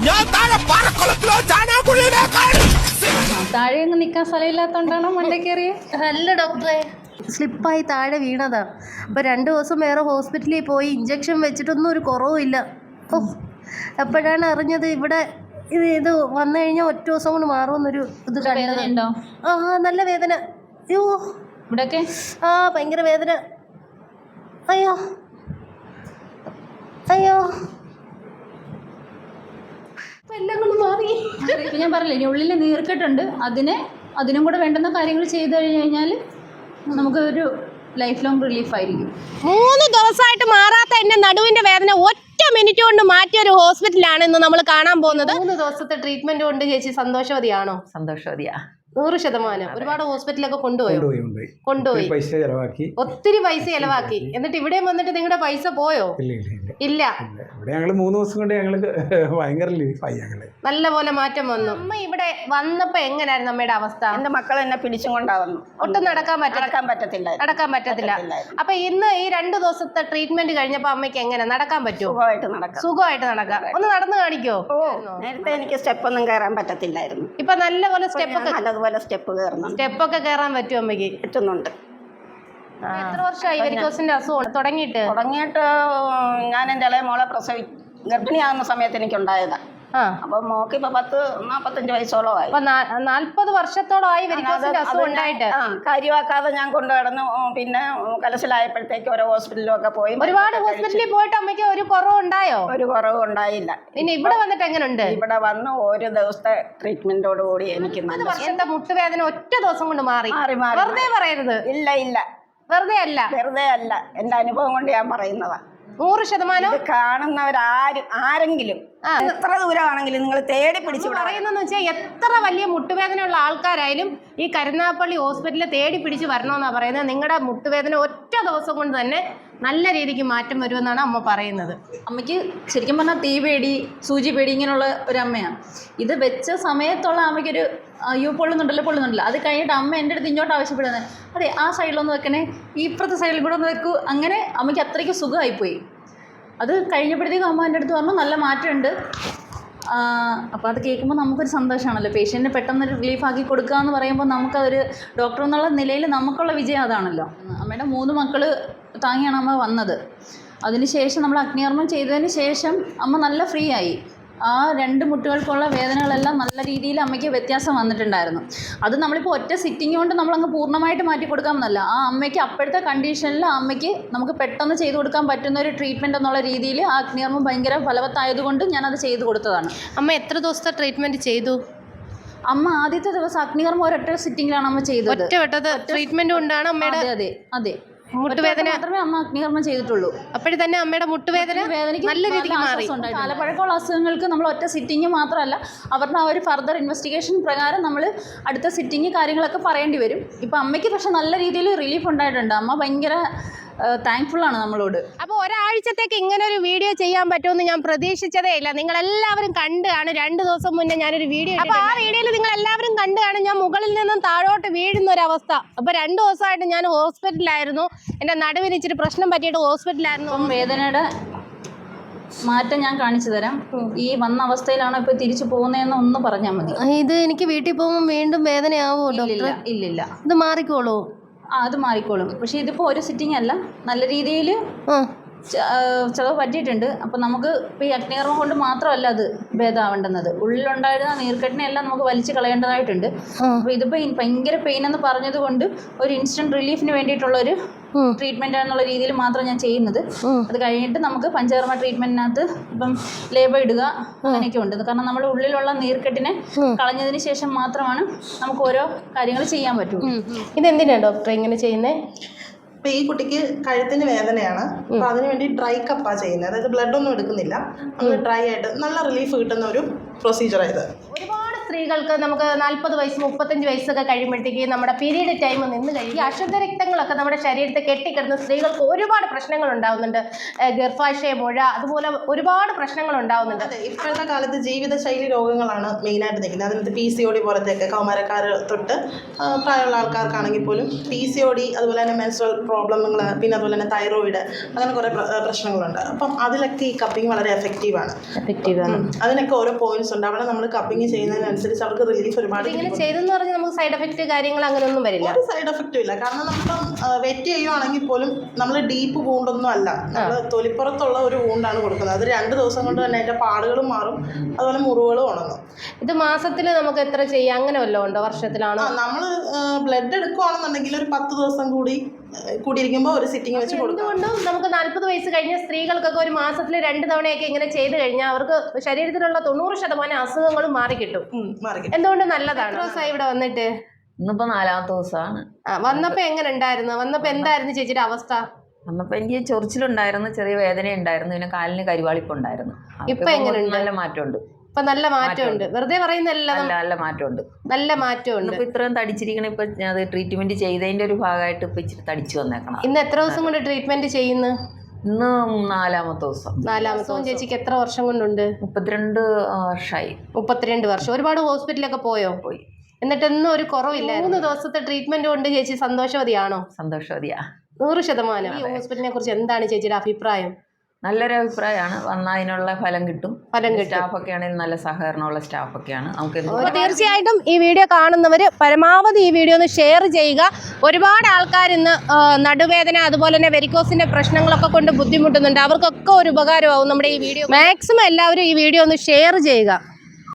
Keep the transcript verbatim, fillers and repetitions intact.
താഴെ ഒന്നും നിൽക്കാൻ സ്ഥലമില്ലാത്തോണ്ടാണോ മണ്ടേ കയറിയ? അല്ല ഡോക്ടറെ, സ്ലിപ്പായി താഴെ വീണതാ. അപ്പോൾ രണ്ട് ദിവസം വേറെ ഹോസ്പിറ്റലിൽ പോയി ഇഞ്ചക്ഷൻ വെച്ചിട്ടൊന്നും ഒരു കുറവുമില്ല. ഓ, അപ്പോഴാണ് അറിഞ്ഞത് ഇവിടെ ഇത് ഇത് വന്നു കഴിഞ്ഞാൽ ഒറ്റ ദിവസം കൊണ്ട് മാറുമെന്നൊരു ഇത് കണ്ടോ. ആ നല്ല വേദന. അയ്യോ ഇവിടെയൊക്കെ ആ ഭയങ്കര വേദന. അയ്യോ അയ്യോ എല്ലാം കൊണ്ട് മാറി. ഇപ്പം ഞാൻ പറഞ്ഞില്ലേ, ഇനി ഉള്ളിൽ നീർക്കെട്ടുണ്ട്. അതിനെ അതിനും കൂടെ വേണ്ടുന്ന കാര്യങ്ങൾ ചെയ്തു കഴിഞ്ഞ് കഴിഞ്ഞാൽ നമുക്കൊരു ലൈഫ് ലോങ് റിലീഫ് ആയിരിക്കും. മൂന്ന് ദിവസമായിട്ട് മാറാത്ത എൻ്റെ നടുവിൻ്റെ വേദന ഒറ്റ മിനിറ്റ് കൊണ്ട് മാറ്റിയ ഒരു ഹോസ്പിറ്റലാണ് ഇന്ന് നമ്മൾ കാണാൻ പോകുന്നത്. മൂന്ന് ദിവസത്തെ ട്രീറ്റ്മെന്റ് കൊണ്ട് ചേച്ചി സന്തോഷവതിയാണോ? സന്തോഷവതിയാ, നൂറ് ശതമാനം. ഒരുപാട് ഹോസ്പിറ്റലൊക്കെ കൊണ്ടുപോയോ? കൊണ്ടുപോയി. പൈസ ചെലവാക്കി, ഒത്തിരി പൈസ ചെലവാക്കി. എന്നിട്ട് ഇവിടെ വന്നിട്ട് നിങ്ങളുടെ പൈസ പോയോ? ഇല്ല. ഇവിടെ ഞങ്ങള് മൂന്ന് ദിവസം കൊണ്ട് ഞങ്ങള് ഭയങ്കര റിലീഫായി. ഞങ്ങള് നല്ല പോലെ മാറ്റം വന്നു. അമ്മ ഇവിടെ വന്നപ്പോ എങ്ങനെയായിരുന്നു അമ്മയുടെ അവസ്ഥ? എന്റെ മക്കൾ എന്നെ പിടിച്ചും കൊണ്ടാവുന്നു. ഒട്ടും നടക്കാൻ പറ്റ നടക്കാൻ പറ്റത്തില്ല നടക്കാൻ പറ്റത്തില്ല അപ്പൊ ഇന്ന് ഈ രണ്ടു ദിവസത്തെ ട്രീറ്റ്മെന്റ് കഴിഞ്ഞപ്പോ അമ്മയ്ക്ക് എങ്ങനെ നടക്കാൻ പറ്റുമോ? സുഖമായിട്ട് നടക്കാം. സുഖമായിട്ട് നടക്കാം. ഒന്ന് നടന്നു കാണിക്കോ? ഓ, നേരത്തെ എനിക്ക് സ്റ്റെപ്പ് ഒന്നും കയറാൻ പറ്റത്തില്ലായിരുന്നു. ഇപ്പൊ നല്ലപോലെ സ്റ്റെപ്പ് ഒക്കെ നല്ലതുപോലെ സ്റ്റെപ്പ് കയറുന്നു. സ്റ്റെപ്പ് ഒക്കെ കയറാൻ പറ്റുമോ അമ്മയ്ക്ക്? പറ്റുന്നുണ്ട്. എത്ര വർഷമായി വെരിക്കോസിന്റെ അസുഖം തുടങ്ങിയിട്ട്? തുടങ്ങിയിട്ട് ഞാൻ എൻ്റെ ഇളയ മോളെ പ്രസവി ഗർഭിണിയാകുന്ന സമയത്ത് എനിക്കുണ്ടായതാ. അപ്പൊ മോക്ക് ഇപ്പൊ പത്ത് നാപ്പത്തഞ്ച് വയസ്സോളമായി. നാല്പത് വർഷത്തോളമായി വെരിക്കോസിന്റെ അസുഖം ഉണ്ടായിട്ട് കാര്യമാക്കാതെ ഞാൻ കൊണ്ടു കിടന്നു. പിന്നെ കലശലായപ്പോഴത്തേക്ക് ഓരോ ഹോസ്പിറ്റലിലും ഒക്കെ പോയി. ഒരുപാട് ഹോസ്പിറ്റലിൽ പോയിട്ട് അമ്മയ്ക്ക് ഒരു കുറവ് ഉണ്ടായോ? ഒരു കുറവ് ഉണ്ടായില്ല. പിന്നെ ഇവിടെ വന്നിട്ട് എങ്ങനെയുണ്ട്? ഇവിടെ വന്ന് ഒരു ദിവസത്തെ ട്രീറ്റ്മെന്റോട് കൂടി എനിക്ക് വർഷത്തെ മുട്ടുവേദന ഒറ്റ ദിവസം കൊണ്ട് മാറി. വെറുതെ പറയരുത്. ഇല്ല ഇല്ല, വെറുതെ അല്ല, വെറുതെ അല്ല. എന്റെ അനുഭവം കൊണ്ട് ഞാൻ പറയുന്നതാ. നൂറ് ശതമാനം. കാണുന്നവരാരും ആരെങ്കിലും എത്ര ദൂരമാണെങ്കിലും നിങ്ങൾ തേടി പിടിച്ചു പറയുന്നതെന്ന് വെച്ചാൽ എത്ര വലിയ മുട്ടുവേദനയുള്ള ആൾക്കാരായാലും ഈ കരുനാഗപ്പള്ളി ഹോസ്പിറ്റലിൽ തേടി പിടിച്ച് വരണമെന്നാണ് പറയുന്നത്. നിങ്ങളുടെ മുട്ടുവേദന ഒറ്റ ദിവസം കൊണ്ട് തന്നെ നല്ല രീതിക്ക് മാറ്റം വരുമെന്നാണ് അമ്മ പറയുന്നത്. അമ്മയ്ക്ക് ശരിക്കും പറഞ്ഞാൽ തീ പേടി, സൂചി പേടി ഇങ്ങനെയുള്ള ഒരു അമ്മയാണ്. ഇത് വെച്ച സമയത്തുള്ള അമ്മയ്ക്കൊരു അയ്യോ പൊള്ളുന്നുണ്ടല്ലോ പൊള്ളുന്നുണ്ടല്ലോ അത് കഴിഞ്ഞിട്ട് അമ്മ എൻ്റെ അടുത്ത് ഇങ്ങോട്ട് ആവശ്യപ്പെടുന്നത് അതെ ആ സൈഡിലൊന്ന് വെക്കണേ, ഈ ഇപ്പുറത്തെ സൈഡിൽ കൂടെ ഒന്ന് വെക്കൂ. അങ്ങനെ അമ്മയ്ക്ക് അത്രയ്ക്ക് സുഖമായിപ്പോയി. അത് കഴിഞ്ഞപ്പോഴത്തേക്കും അമ്മ എൻ്റെ അടുത്ത് പറഞ്ഞു നല്ല മാറ്റമുണ്ട്. അപ്പോൾ അത് കേൾക്കുമ്പോൾ നമുക്കൊരു സന്തോഷമാണല്ലോ. പേഷ്യൻറ്റിന് പെട്ടെന്ന് റിലീഫാക്കി കൊടുക്കുക എന്ന് പറയുമ്പോൾ നമുക്കതൊരു ഡോക്ടർ എന്നുള്ള നിലയിൽ നമുക്കുള്ള വിജയം അതാണല്ലോ. അമ്മയുടെ മൂന്ന് മക്കൾ താങ്ങിയാണ് അമ്മ വന്നത്. അതിനുശേഷം നമ്മൾ അഗ്നികർമ്മം ചെയ്തതിന് ശേഷം അമ്മ നല്ല ഫ്രീ ആയി. ആ രണ്ട് മുട്ടുകൾക്കുള്ള വേദനകളെല്ലാം നല്ല രീതിയിൽ അമ്മയ്ക്ക് വ്യത്യാസം വന്നിട്ടുണ്ടായിരുന്നു. അത് നമ്മളിപ്പോൾ ഒറ്റ സിറ്റിംഗ് കൊണ്ട് നമ്മളങ്ങ് പൂർണ്ണമായിട്ട് മാറ്റി കൊടുക്കാമെന്നല്ല, ആ അമ്മയ്ക്ക് അപ്പോഴത്തെ കണ്ടീഷനിൽ അമ്മയ്ക്ക് നമുക്ക് പെട്ടെന്ന് ചെയ്തു കൊടുക്കാൻ പറ്റുന്ന ഒരു ട്രീറ്റ്മെൻറ്റ് എന്നുള്ള രീതിയിൽ ആ അഗ്നികർമ്മം ഭയങ്കര ഫലവത്തായതുകൊണ്ട് ഞാനത് ചെയ്തു കൊടുത്തതാണ്. അമ്മ എത്ര ദിവസത്തെ ട്രീറ്റ്മെൻറ്റ് ചെയ്തു? അമ്മ ആദ്യത്തെ ദിവസം അഗ്നികർമ്മം ഒരൊറ്റ സിറ്റിങ്ങിലാണ് അമ്മ ചെയ്തത്. ഒറ്റ ട്രീറ്റ്മെൻറ്റ് കൊണ്ടാണ് അമ്മയുടെ അതെ അതെ മുട്ടുവേദന മാത്രമേ അമ്മ അഗ്നികർമ്മം ചെയ്തിട്ടുള്ളൂ. അപ്പോഴും തന്നെ അമ്മയുടെ മുട്ടുവേദന വേദനയ്ക്ക് നല്ല രീതിക്ക് മാറി. കാലപ്പഴക്കമുള്ള അസുഖങ്ങൾക്ക് നമ്മൾ ഒറ്റ സിറ്റിംഗ് മാത്രമല്ല അവരുടെ ആ ഒരു ഫർദർ ഇൻവെസ്റ്റിഗേഷൻ പ്രകാരം നമ്മൾ അടുത്ത സിറ്റിംഗ് കാര്യങ്ങളൊക്കെ പറയേണ്ടി വരും. ഇപ്പം അമ്മയ്ക്ക് പക്ഷെ നല്ല രീതിയിൽ റിലീഫ് ഉണ്ടായിട്ടുണ്ട്. അമ്മ ഭയങ്കര താങ്ക്ഫുള്ളാണ് നമ്മളോട്. അപ്പോൾ ഒരാഴ്ചത്തേക്ക് ഇങ്ങനെ ഒരു വീഡിയോ ചെയ്യാൻ പറ്റുമെന്ന് ഞാൻ പ്രതീക്ഷിച്ചതേ ഇല്ല. നിങ്ങളെല്ലാവരും കണ്ടു കാണും. രണ്ട് ദിവസം മുന്നേ ഞാനൊരു വീഡിയോ, അപ്പോൾ ആ വീഡിയോയിൽ നിങ്ങളെല്ലാവരും കണ്ടു കാണും ഞാൻ മുകളിൽ നിന്നും താഴോട്ട് വീഴുന്ന ഒരവസ്ഥ. അപ്പോൾ രണ്ട് ദിവസമായിട്ട് ഞാൻ ഹോസ്പിറ്റലിലായിരുന്നു. എൻ്റെ നടുവിന് ഇച്ചിരി പ്രശ്നം പറ്റിയിട്ട് ഹോസ്പിറ്റലായിരുന്നു. അപ്പം വേദനയുടെ മാറ്റം ഞാൻ കാണിച്ചു തരാം. ഈ വന്ന അവസ്ഥയിലാണോ ഇപ്പോൾ തിരിച്ചു പോകുന്നതെന്ന് ഒന്ന് പറഞ്ഞാൽ മതി. ഇത് എനിക്ക് വീട്ടിൽ പോകുമ്പോൾ വീണ്ടും വേദനയാവോ ഡോക്ടർ? ഇല്ലില്ല, ഇത് മാറിക്കോളൂ. ആ അത് മാറിക്കോളും. പക്ഷേ ഇതിപ്പോൾ ഒരു സിറ്റിംഗ് അല്ല, നല്ല രീതിയിൽ ചിലവ് പറ്റിയിട്ടുണ്ട്. അപ്പം നമുക്ക് ഇപ്പോൾ ഈ അഗ്നികർമ്മം കൊണ്ട് മാത്രമല്ല അത് ഭേദമാവേണ്ടുന്നത്. ഉള്ളിലുണ്ടായിരുന്ന നീർക്കെട്ടിനെല്ലാം നമുക്ക് വലിച്ചു കളയേണ്ടതായിട്ടുണ്ട്. അപ്പോൾ ഇതിപ്പോൾ ഭയങ്കര പെയിൻ എന്ന് പറഞ്ഞത് കൊണ്ട് ഒരു ഇൻസ്റ്റൻറ്റ് റിലീഫിന് വേണ്ടിയിട്ടുള്ളൊരു ട്രീറ്റ്മെൻറ്റ് എന്നുള്ള രീതിയിൽ മാത്രം ഞാൻ ചെയ്യുന്നത്. അത് കഴിഞ്ഞിട്ട് നമുക്ക് പഞ്ചകർമ്മ ട്രീറ്റ്മെൻറ്റിനകത്ത് ഇപ്പം ലേബർ ഇടുക അങ്ങനെയൊക്കെ ഉണ്ട്. കാരണം നമ്മുടെ ഉള്ളിലുള്ള നീർക്കെട്ടിനെ കളഞ്ഞതിന് ശേഷം മാത്രമാണ് നമുക്ക് ഓരോ കാര്യങ്ങൾ ചെയ്യാൻ പറ്റൂ. ഇതെന്തിനാണ് ഡോക്ടർ ഇങ്ങനെ ചെയ്യുന്നത്? അപ്പോൾ ഈ കുട്ടിക്ക് കഴുത്തിന് വേദനയാണ്. അപ്പോൾ അതിന് വേണ്ടി ഡ്രൈ കപ്പാ ചെയ്യുന്നത്. അതായത് ബ്ലഡ് ഒന്നും എടുക്കുന്നില്ല, നമ്മൾ ഡ്രൈ ആയിട്ട് നല്ല റിലീഫ് കിട്ടുന്ന ഒരു പ്രൊസീജിയറാണ് ഇത്. ഒരുപാട് സ്ത്രീകൾക്ക് നമുക്ക് നാൽപ്പത് വയസ്സ് മുപ്പത്തഞ്ച് വയസ്സൊക്കെ കഴിയുമ്പോഴത്തേക്ക് നമ്മുടെ പീരീഡ് ടൈം നിന്ന് കഴിയും. ഈ അശുദ്ധ രക്തങ്ങളൊക്കെ നമ്മുടെ ശരീരത്തിൽ കെട്ടിക്കിടന്ന് സ്ത്രീകൾക്ക് ഒരുപാട് പ്രശ്നങ്ങൾ ഉണ്ടാവുന്നുണ്ട്. ഗർഭാശയ മുഴ, അതുപോലെ ഒരുപാട് പ്രശ്നങ്ങൾ ഉണ്ടാവുന്നുണ്ട്. അതെ, ഇപ്പോഴത്തെ കാലത്ത് ജീവിതശൈലി രോഗങ്ങളാണ് മെയിനായിട്ട് നിൽക്കുന്നത്. അതിനകത്ത് പി സി ഒ ഡി പോലത്തെയൊക്കെ കൗമാരക്കാർ തൊട്ട് പ്രായമുള്ള ആൾക്കാർക്കാണെങ്കിൽ പോലും പി സി ഒ ഡി, അതുപോലെ തന്നെ മെൻസ്ട്രൽ പ്രോബ്ലങ്ങൾ, പിന്നെ അതുപോലെ തന്നെ തൈറോയിഡ്, അങ്ങനെ കുറേ പ്രശ്നങ്ങളുണ്ട്. അപ്പം അതിലൊക്കെ ഈ കപ്പിംഗ് വളരെ എഫക്റ്റീവാണ്. എഫക്റ്റീവാണ്. അതിനൊക്കെ ഓരോ പോയിന്റ്സ് ഉണ്ട്. അവിടെ നമ്മൾ കപ്പിംഗ് ചെയ്യുന്നതിനനുസരിച്ച് അവർക്ക് റിലീഫ് ഒരുപാട്. ഇങ്ങനെ ചെയ്തെന്ന് പറഞ്ഞാൽ നമുക്ക് സൈഡ് എഫക്റ്റ് കാര്യങ്ങൾ അങ്ങനെയൊന്നും വരില്ല. ഒരു സൈഡ് എഫക്റ്റും ഇല്ല. കാരണം നമ്മളിപ്പം വെറ്റ് ചെയ്യുവാണെങ്കിൽ പോലും നമ്മൾ ഡീപ്പ് വൂണ്ടൊന്നും അല്ല, നമ്മൾ തൊലിപ്പുറത്തുള്ള ഒരു വൂണ്ടാണ് കൊടുക്കുന്നത്. അത് രണ്ട് ദിവസം കൊണ്ട് തന്നെ അതിൻ്റെ പാടുകളും മാറും, അതുപോലെ മുറിവുകളും ഉണങ്ങും. ഇത് മാസത്തിൽ നമുക്ക് എത്ര ചെയ്യാം, അങ്ങനെ വല്ലതും ഉണ്ടോ? വർഷത്തിലാണോ? നമ്മൾ ബ്ലഡ് എടുക്കുകയാണെന്നുണ്ടെങ്കിൽ ഒരു പത്ത് ദിവസം കൂടി കൂടിയിരിക്കുമ്പോൾ ഒരു സിറ്റിംഗ് വെച്ച് കൊടുക്കും. എന്തുകൊണ്ടും നമുക്ക് നാൽപ്പത് വയസ്സ് കഴിഞ്ഞ സ്ത്രീകൾക്കൊക്കെ ഒരു മാസത്തിൽ രണ്ട് തവണയൊക്കെ ഇങ്ങനെ ചെയ്ത് കഴിഞ്ഞാൽ അവർക്ക് ശരീരത്തിലുള്ള തൊണ്ണൂറ് ശതമാനം അസുഖങ്ങളും മാറിക്കിട്ടും. മാറിക്കിട്ടും. എന്തുകൊണ്ട് നല്ലതാണ്. ദിവസമായി ഇവിടെ വന്നിട്ട് ഇന്നിപ്പോ നാലാമത്തെ ദിവസമാണ്. ആ, വന്നപ്പോ എങ്ങനെ ഉണ്ടായിരുന്നു? വന്നപ്പോ എന്തായിരുന്നു ചേച്ചിയുടെ അവസ്ഥ? വന്നപ്പോ എനിക്ക് ചൊറിച്ചിലുണ്ടായിരുന്നു, ചെറിയ വേദന ഉണ്ടായിരുന്നു, പിന്നെ കാലിന് കരുവാളിപ്പുണ്ടായിരുന്നു. ഇപ്പൊ എങ്ങനെയുണ്ട്? നല്ല മാറ്റമുണ്ട്. ഇപ്പൊ നല്ല മാറ്റമുണ്ട്. വെറുതെ പറയുന്നല്ല, നല്ല നല്ല മാറ്റമുണ്ട്. നല്ല മാറ്റമുണ്ട്. ഇപ്പൊ ഇത്രയും തടിച്ചിരിക്കണ ഇപ്പൊ അത് ട്രീറ്റ്മെന്റ് ചെയ്തതിന്റെ ഒരു ഭാഗമായിട്ട് ഇപ്പൊ ഇച്ചിരി തടിച്ചു വന്നേക്കണം. ഇന്ന് എത്ര ദിവസം കൊണ്ട് ട്രീറ്റ്മെന്റ് ചെയ്യുന്നു? ഇന്ന് നാലാമത്തെ ദിവസം. നാലാമത്തെ ദിവസം. ചേച്ചിക്ക് എത്ര വർഷം കൊണ്ടുണ്ട്? മുപ്പത്തിരണ്ട് വർഷമായി. മുപ്പത്തിരണ്ട് വർഷം. ഒരുപാട് ഹോസ്പിറ്റലൊക്കെ പോയോ? പോയി. എന്നിട്ടൊന്നും ഒരു കുറവില്ല. മൂന്ന് ദിവസത്തെ ട്രീറ്റ്മെന്റ് കൊണ്ട് ചേച്ചി സന്തോഷവതിയാണോ? സന്തോഷവതിയാ, നൂറ് ശതമാനം. ഈ ഹോസ്പിറ്റലിനെ കുറിച്ച് എന്താണ് ചേച്ചിയുടെ അഭിപ്രായം? നല്ലൊരു അഭിപ്രായമാണ്. വന്നതിനുള്ള ഫലം കിട്ടും. ഫലം കിട്ടും. സ്റ്റാഫൊക്കെ ആണെങ്കിൽ നല്ല സഹകരണമുള്ള സ്റ്റാഫൊക്കെയാണ്. നമുക്ക് അപ്പോൾ തീർച്ചയായിട്ടും ഈ വീഡിയോ കാണുന്നവർ പരമാവധി ഈ വീഡിയോ ഒന്ന് ഷെയർ ചെയ്യുക. ഒരുപാട് ആൾക്കാർ ഇന്ന് നടുവേദന, അതുപോലെ തന്നെ വെരിക്കോസിന്റെ പ്രശ്നങ്ങളൊക്കെ കൊണ്ട് ബുദ്ധിമുട്ടുന്നുണ്ട്. അവർക്കൊക്കെ ഒരു ഉപകാരമാവും നമ്മുടെ ഈ വീഡിയോ. മാക്സിമം എല്ലാവരും ഈ വീഡിയോ ഒന്ന് ഷെയർ ചെയ്യുക.